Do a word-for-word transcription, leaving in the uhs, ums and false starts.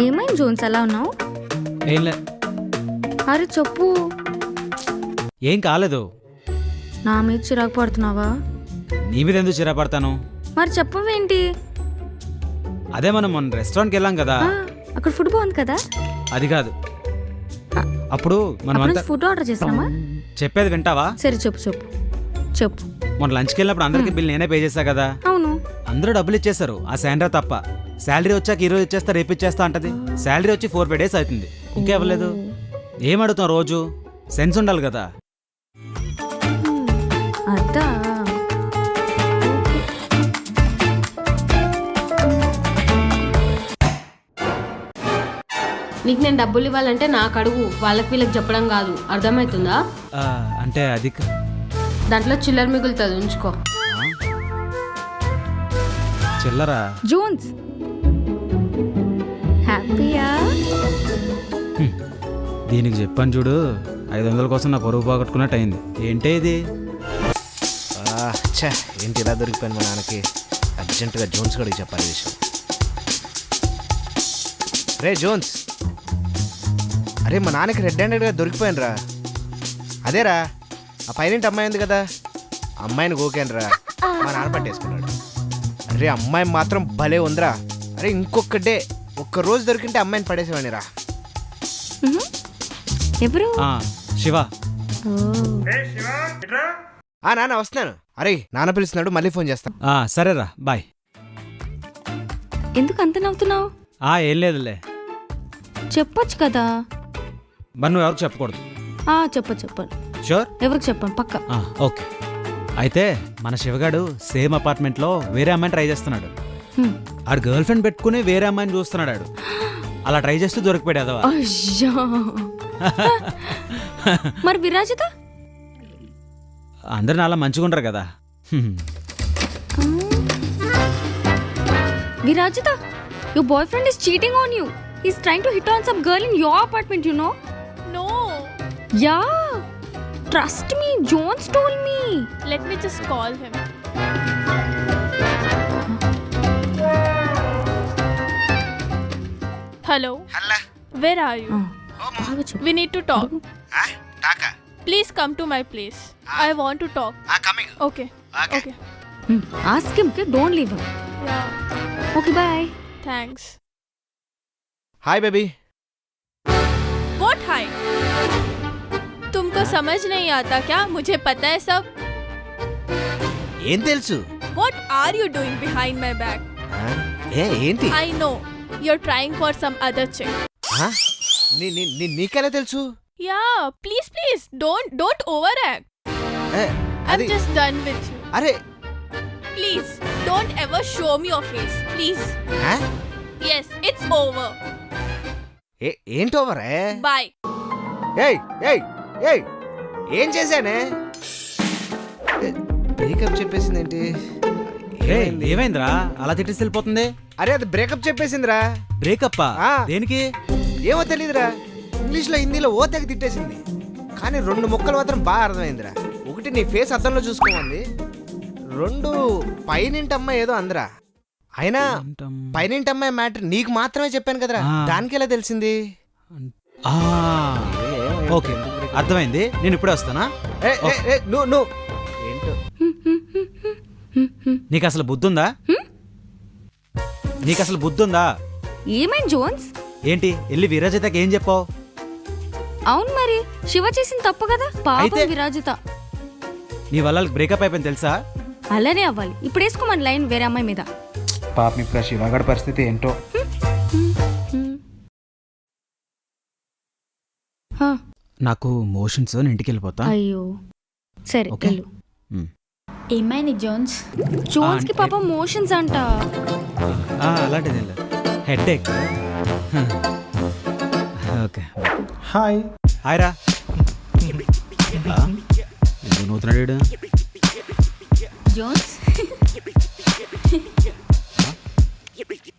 ఏమైంది జోన్స్ అలా ఉన్నావు? ఏం లే. అరే చెప్పు. ఏం కాలేదు. నా మీద చిరాకు పడుతున్నావా? నీ మీద ఎందుకు చిరా పడతాను? మరి చెప్పవేంటి? అదే మనం మొన్న రెస్టారెంట్కి వెళ్ళాం కదా, ఆ, అక్కడ ఫుడ్ బాగుంది కదా. అది కాదు. అప్పుడు మనం అంతా ఫుడ్ ఆర్డర్ చేసామా? చెప్పేది వింటావా? సరే చెప్పు చెప్పు చెప్పు. మొన్న లంచ్కి వెళ్ళినప్పుడు అందరికి బిల్ నేనే పే చేశా కదా. అవును. అందరూ డబ్బులు ఇచ్చేస్తారు, ఆ శాండ్రా తప్ప. శాలరీ వచ్చాక ఈ రోజు ఇచ్చేస్తా రేపు ఇచ్చేస్తా అంటది. శాలరీ వచ్చి ఫోర్ ఫైవ్ డేస్ అవుతుంది, ఇంకా ఇవ్వలేదు. ఏం అడుగుతాం రోజు? సెన్స్ ఉండాలి కదా. అదా నీకు నేను డబ్బులు ఇవ్వాలంటే నాకు అడుగు, వాళ్ళకి వీళ్ళకి చెప్పడం కాదు. అర్థమవుతుందా? ఆ, అంటే అది క- దాంట్లో చిల్లర మిగులుతుంది, ఉంచుకో. చిల్లరా? జోన్స్ హ్యాపీయా? హ్మ్. దీనికి చెప్పాను చూడు, ఐదు వందల కోసం నా పొరుగు పోగొట్టుకున్నట్టు అయింది. ఏంటే ఇది? ఛా, ఏంటి ఇలా దొరికిపోయింది మా నాన్నకి? అర్జెంటుగా జోన్స్ గడికి చెప్పాలి ఈ విషయం. రే జోన్స్, అరే మా నాన్నకి రెడ్ హ్యాండెడ్గా దొరికిపోయాను రా. అదేరా ఆ పైన అమ్మాయి ఉంది కదా, అమ్మాయిని గోకాను రా, మా నాన్న పట్టేసుకున్నాడు. అరే అమ్మాయి మాత్రం భలే ఉందిరా. అరే ఇంకొక డే ఒక్క రోజు దొరికింటే అమ్మాయిని పడేసేవాడిని రా. ఎవరు? ఆ, శివ. ఆ నాన్న వస్తున్నాను. అరే నాన్న పిలుస్తున్నాడు, మళ్ళీ ఫోన్ చేస్తాను. ఆ, సరేరా, బాయ్. ఎందుకు అంత నవ్వుతున్నావు? ఆ, ఏం లేదులే. చెప్పొచ్చు కదా. మరి నువ్వు ఎవరికి చెప్పకూడదు. ఆ చెప్పు చెప్పను. షూర్? ఎవరికి చెప్పను పక్క. ఆ, ఓకే. అయితే మన శివగాడు సేమ్ అపార్ట్మెంట్లో వేరే అమ్మాయిని ట్రై చేస్తున్నాడు. హ్మ్. ఆడు గర్ల్ ఫ్రెండ్ పెట్టుకుని వేరే అమ్మాయిని చూస్తున్నాడు. ఆడు అలా ట్రై చేస్తూ దొరికిపోయాడు అదవా. అయ్యా. మరి విరాజిత? అందరిని అలా మంచిగా ఉండరు కదా. హ్మ్. విరాజిత, your boyfriend is cheating on you. He's trying to hit on some girl in your apartment, you know? No. Yeah. Trust me, Jones told me. Let me just call him. Hello. హల్లా Where are you? బాగా చెప్పు. We need to talk. టాకా Please come to my place. I want to talk. Coming. Okay. Okay. Okay. Hmm. Ask him, okay? Don't leave him. Yeah. Okay, bye. Thanks. Hi baby. What hi? तुमको समझ नहीं आता क्या? मुझे पता है सब. ఏం తెలుసు? What are you doing behind my back? ఆ? ఏ ఏంటి? I know. You're trying for some other chick. ఆ? నీ నీ నీ నీకెలా తెలుసు? Yeah. Please, please. Don't don't overact. A, I'm అది just done with you. అరే Please, don't ever show me your face. Please. ఆ? Yes, it's over. ఏ ఏంటి ఓవరే? Bye. ఏయ్ ఏయ్ ఏయ్ ఏం చేశానే? బ్రేకప్ చెప్పేసింది ఏంటి? ఏయ్, ఏమైందిరా అలా తిట్టేసి వెళ్ళిపోతుంది? అరే అది బ్రేకప్ చెప్పేసిందిరా. బ్రేకప్పా? ఆ. దేనికి? ఏమో తెలీదురా. ఇంగ్లీష్లో హిందీలో ఓ తెగ తిట్టేసింది, కానీ రెండు ముక్కలు మాత్రం బాగా అర్థమైందిరా. ఒకటి నీ ఫేస్ అద్దంలో చూసుకోమంది, రెండు పైనింటి అమ్మాయి ఏదో అందరా. అయినా పైనింటి అమ్మాయి మ్యాటర్ నీకు మాత్రమే చెప్పాను కదరా, ఆ. దానికి ఎలా తెలిసింది? ఆ, ఓకే, అర్థమైంది. నేను ఇప్పుడే వస్తానా? ఏ, ఏ, ఏ, నువ్వు నువ్వు ఏంటో. నీకు అసలు బుద్ధుందా? నీకు అసలు బుద్ధుందా? ఏమైంది జోన్స్? ఏంటి వెళ్ళి విరాజితకి ఏం చెప్పావు? అవును మరి శివ చేసిన తప్పు కదా. పాపం అయితే- విరాజిత. నీ వల్ల బ్రేకప్ అయిపోయింది తెలుసా? అలానే అవ్వాలి. ఇప్పుడు వేసుకోమని లైన్ వేరే అమ్మాయి మీద. పాపం ఇప్పుడు ఆ శివగాడి పరిస్థితి ఏంటో. హా, నాకు మోషన్స్, నేను ఇంటికి వెళ్ళిపోతా. అయ్యో సరే ఓకే. వెళ్ళు. మ్. ఏమైంది జోన్స్? జోన్స్ కి అంటే- పాపం మోషన్స్ అంట. ఆ, అలాంటిది ఏం లేదు, హెడ్ ఏక్. Okay, hi. హాయ్ రా. ఆ, ఎందుకు నవ్వుతున్నాడు వీడు? జోన్స్